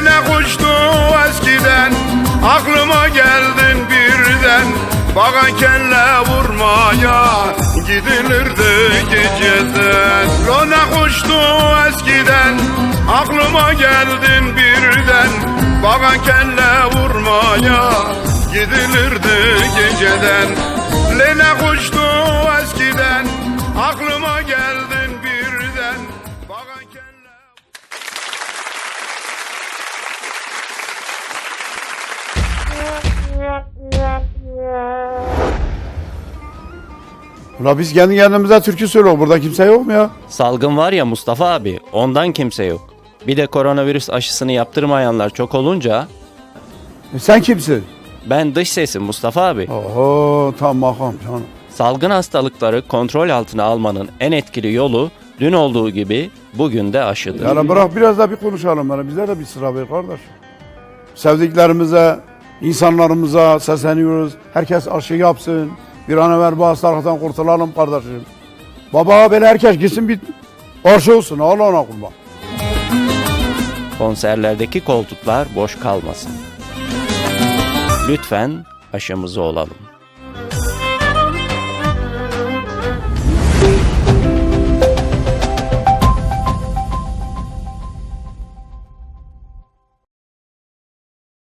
Lene kuştu eskiden, aklıma geldin birden. Bana kelle vurmaya gidilirdi geceden. Lene kuştu eskiden, aklıma geldin birden. Bana kelle vurmaya gidilirdi geceden. Lene kuştu eskiden, aklıma geldin birden. Bana kelle... Ula biz kendi kendimize türkü söylüyoruz. Burada kimse yok mu ya? Salgın var ya Mustafa abi, ondan kimse yok. Bir de koronavirüs aşısını yaptırmayanlar çok olunca Sen kimsin? ben dış sesim Mustafa abi. Oho tamam canım. Salgın hastalıkları kontrol altına almanın en etkili yolu dün olduğu gibi bugün de aşıdır. Yani bırak biraz da bir konuşalım. Yani bize de bir sıra ver kardeş. Sevdiklerimize, insanlarımıza sesleniyoruz. Herkes aşı yapsın. Bir an evvel bu hastalıktan kurtulalım kardeşim. Baba böyle herkes gitsin bir aşı olsun. Allah'ına kurban. Konserlerdeki koltuklar boş kalmasın. Lütfen aşımızı olalım.